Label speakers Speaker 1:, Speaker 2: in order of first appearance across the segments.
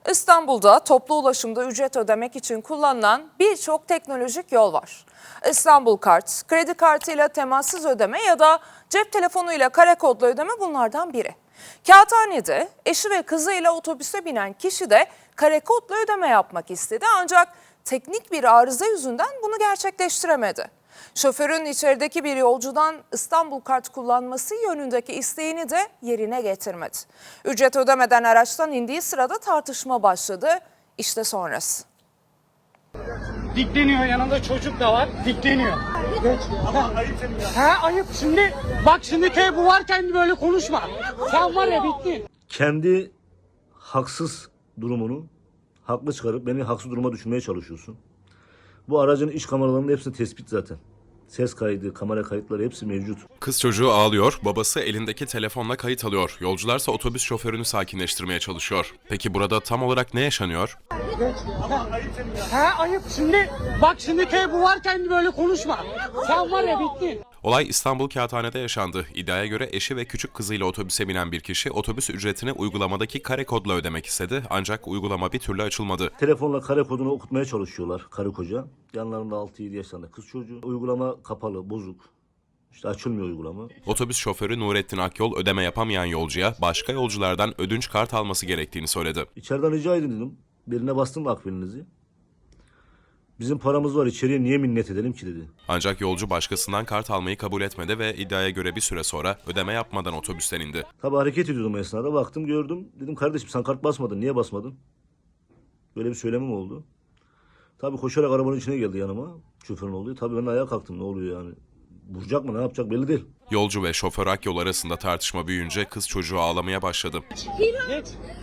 Speaker 1: İstanbul'da toplu ulaşımda ücret ödemek için kullanılan birçok teknolojik yol var. İstanbul Kart, kredi kartıyla temassız ödeme ya da cep telefonuyla kare kodlu ödeme bunlardan biri. Kağıthane'de eşi ve kızıyla otobüse binen kişi de kare kodlu ödeme yapmak istedi ancak teknik bir arıza yüzünden bunu gerçekleştiremedi. Şoförün içerideki bir yolcudan İstanbul Kart kullanması yönündeki isteğini de yerine getirmedi. Ücret ödemeden araçtan indiği sırada tartışma başladı. İşte sonrası.
Speaker 2: Dikleniyor, yanında çocuk da var, dikleniyor. Geç. Ayıp. Şimdi bak, bu varken böyle konuşma. Sen var ya, bittin.
Speaker 3: Kendi haksız durumunu haklı çıkarıp beni haksız duruma düşürmeye çalışıyorsun. Bu aracın iç kameralarının hepsi tespit zaten. Ses kaydı, kamera kayıtları hepsi mevcut.
Speaker 4: Kız çocuğu ağlıyor, babası elindeki telefonla kayıt alıyor. Yolcularsa otobüs şoförünü sakinleştirmeye çalışıyor. Peki burada tam olarak ne yaşanıyor?
Speaker 2: Geç. Ayıp. Şimdi bak, bu varken böyle konuşma. Sen var ya, bittin.
Speaker 4: Olay İstanbul Kağıthane'de yaşandı. İddiaya göre eşi ve küçük kızıyla otobüse binen bir kişi otobüs ücretini uygulamadaki kare kodla ödemek istedi. Ancak uygulama bir türlü açılmadı.
Speaker 3: Telefonla kare kodunu okutmaya çalışıyorlar karı koca. Yanlarında 6-7 yaşlarında kız çocuğu. Uygulama kapalı, bozuk. İşte açılmıyor uygulama.
Speaker 4: Otobüs şoförü Nurettin Akyol ödeme yapamayan yolcuya başka yolculardan ödünç kart alması gerektiğini söyledi.
Speaker 3: İçeriden rica edin dedim. Birine bastım akbilinizi. Bizim paramız var, içeriye niye minnet edelim ki dedi.
Speaker 4: Ancak yolcu başkasından kart almayı kabul etmedi ve iddiaya göre bir süre sonra ödeme yapmadan otobüsten indi.
Speaker 3: Tabii hareket ediyordum o esnada, baktım gördüm. Dedim kardeşim sen kart basmadın, niye basmadın? Böyle bir söylemim oldu. Tabii koşarak arabanın içine geldi yanıma. Şoförün olduğu. Tabii ben ayağa kalktım, ne oluyor yani? Vuracak mı, ne yapacak belli değil.
Speaker 4: Yolcu ve şoför Akyol arasında tartışma büyüyünce kız çocuğu ağlamaya başladı.
Speaker 2: Geç.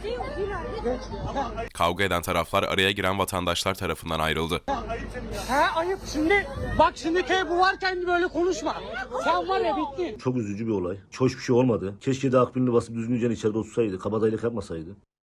Speaker 4: Kavga eden taraflar araya giren vatandaşlar tarafından ayrıldı.
Speaker 2: Ayıp. Şimdi bak, bu varken böyle konuşma. Sen var ya, bittin.
Speaker 3: Çok üzücü bir olay. Hoş bir şey olmadı. Keşke de akbilini basıp düzgünce içeride otursaydı. Kabadayılık yapmasaydı.